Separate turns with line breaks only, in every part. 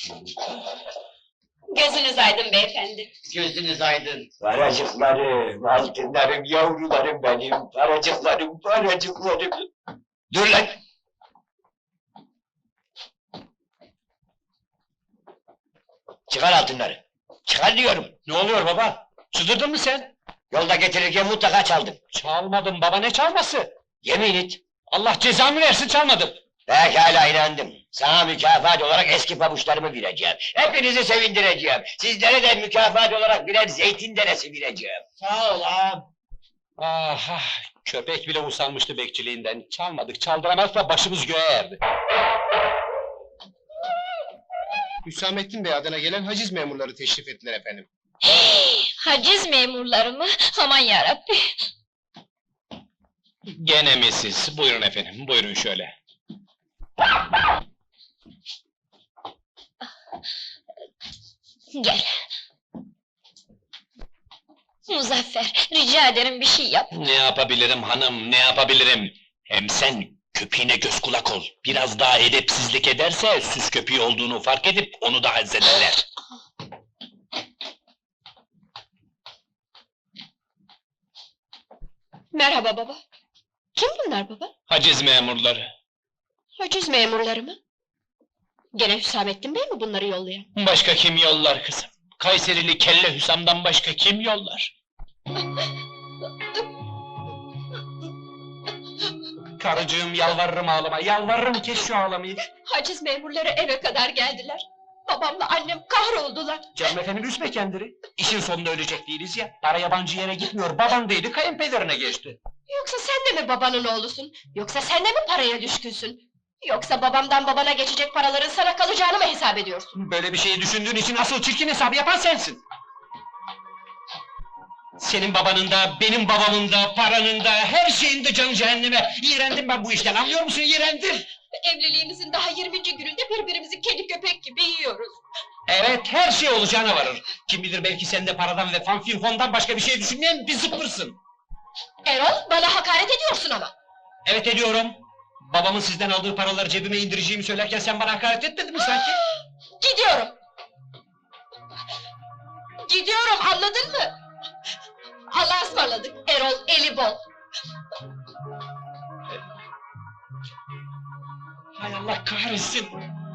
Gözünüz aydın beyefendi.
Gözünüz aydın.
Paracıklarım, altınlarım, yavrularım benim, paracıklarım, paracıklarım.
Dur lan!
Çıkar altınları, çıkar diyorum.
Ne oluyor baba? Çıldırdın mı sen?
Yolda getirirken mutlaka çaldım.
Çalmadım baba, ne çalması?
Yemin et.
Allah cezamı versin, çalmadım.
Pekala inandım. Sana mükafat olarak eski pabuçlarımı vereceğim. Hepinizi sevindireceğim. Sizlere de mükafat olarak birer zeytin deresi vereceğim.
Sağ ol ağam. Ah, köpek bile usanmıştı bekçiliğinden. Çalmadık, çaldıramazsa başımız göğe erdi.
Hüsamettin Bey adına gelen haciz memurları teşrif ettiler efendim.
Haciz memurları mı? Aman yarabbi!
Gene mi siz? Buyurun efendim, buyurun şöyle.
Gel. Muzaffer, rica ederim bir şey yap.
Ne yapabilirim hanım, ne yapabilirim? Hem sen köpeğine göz kulak ol. Biraz daha edepsizlik ederse süs köpeği olduğunu fark edip onu da hazzederler.
Merhaba baba. Kim bunlar baba?
Haciz memurları.
Haciz memurları mı? Gene Hüsamettin Bey mi bunları yollayan?
Başka kim yollar kızım? Kayserili Kelle Hüsam'dan başka kim yollar? Karıcığım yalvarırım ağlama, yalvarırım kes şu ağlamayı.
Haciz memurları eve kadar geldiler. Babamla annem kahroldular.
Canım efendim üzme kendini. İşin sonunda ölecek değiliz ya. Para yabancı yere gitmiyor, baban değildi kayınpederine geçti.
Yoksa sen de mi babanın oğlusun? Yoksa sen de mi paraya düşkünsün? Yoksa babamdan babana geçecek paraların sana kalacağını mı hesap ediyorsun?
Böyle bir şeyi düşündüğün için asıl çirkin hesabı yapan sensin. Senin babanın da, benim babamın da, paranın da, her şeyin de canı cehenneme. İğrendim ben bu işten, anlıyor musun? İğrendim!
Evliliğimizin daha 20. gününde birbirimizi kedi köpek gibi yiyoruz.
Evet, her şey olacağına varır. Kim bilir belki sen de paradan ve fanfinfondan başka bir şey düşünmeyen bir zıppırsın.
Erol, bana hakaret ediyorsun ama.
Evet ediyorum. Babamın sizden aldığı paraları cebime indireceğimi söylerken sen bana hakaret etmedin mi sanki?
Gidiyorum. Gidiyorum, anladın mı? Allah'a ısmarladık, Erol, eli bol.
Hay Allah kahretsin!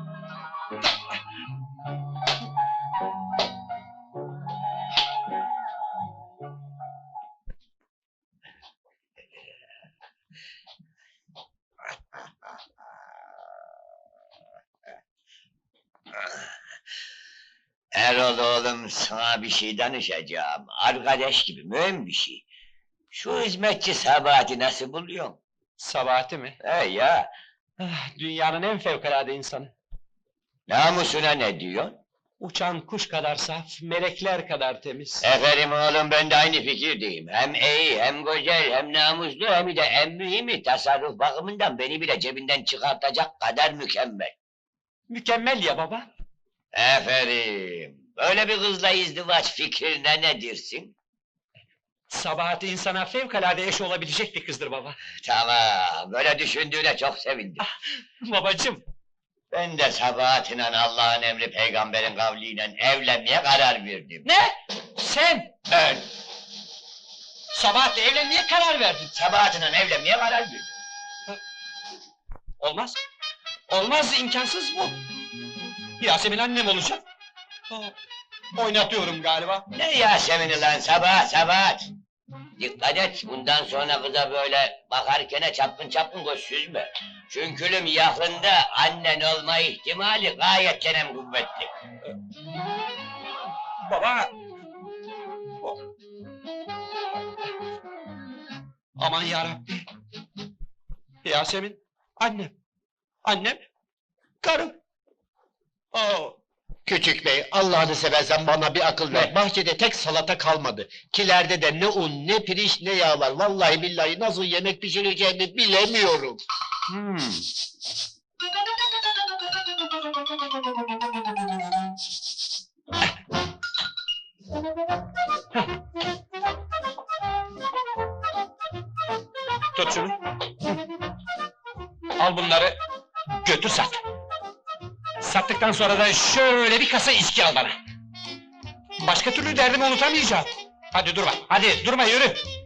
Erol oğlum, sana bir şey danışacağım. Arkadaş gibi, mühim bir şey. Şu hizmetçi Sabahat'i nasıl buluyorsun?
Sabahati mi?
He ya,
Dünyanın en fevkalade insanı.
namusuna ne diyorsun?
Uçan kuş kadar saf, melekler kadar temiz.
Efendim oğlum, ben de aynı fikirdeyim. Hem iyi, hem güzel, hem namuslu, hem de en mühimi tasarruf bakımından beni bile cebinden çıkartacak kadar mükemmel.
Mükemmel ya baba.
Aferin! Böyle bir kızla izdivaç fikrine ne dersin?
Sabahati insana fevkalade eş olabilecek bir kızdır baba.
Tamam, böyle düşündüğüne çok sevindim.
Babacım,
Ben de Sabahat'le Allah'ın emri peygamberin kavliyle evlenmeye karar verdim.
ne? Sen
Ben
Sabahat'le evlenmeye karar verdin.
Sabahat'le evlenmeye karar verdim.
Olmaz. Olmaz, imkansız bu. Yasemin annem olacak. Oynatıyorum galiba.
Ne Yasemin'i lan, Sabahat! Dikkat et, bundan sonra kıza böyle bakarken çapkın çapkın göz süzme. Çünkü yakında annen olma ihtimali gayet kenem kuvvetli.
Baba! Aman yarabbi! Yasemin, annem! Annem, karım! Oo!
Küçük bey, Allah'ını seversen bana bir akıl ver. Bahçede tek salata kalmadı. Kilerde de ne un, ne pirinç, ne yağ var. Vallahi billahi nasıl yemek pişireceğimi bilemiyorum.
Tut şunu! Al bunları, götür sat! Sattıktan sonra da şöyle bir kasa içki al bana. Başka türlü derdimi unutamayacağım. Hadi durma, hadi durma yürü.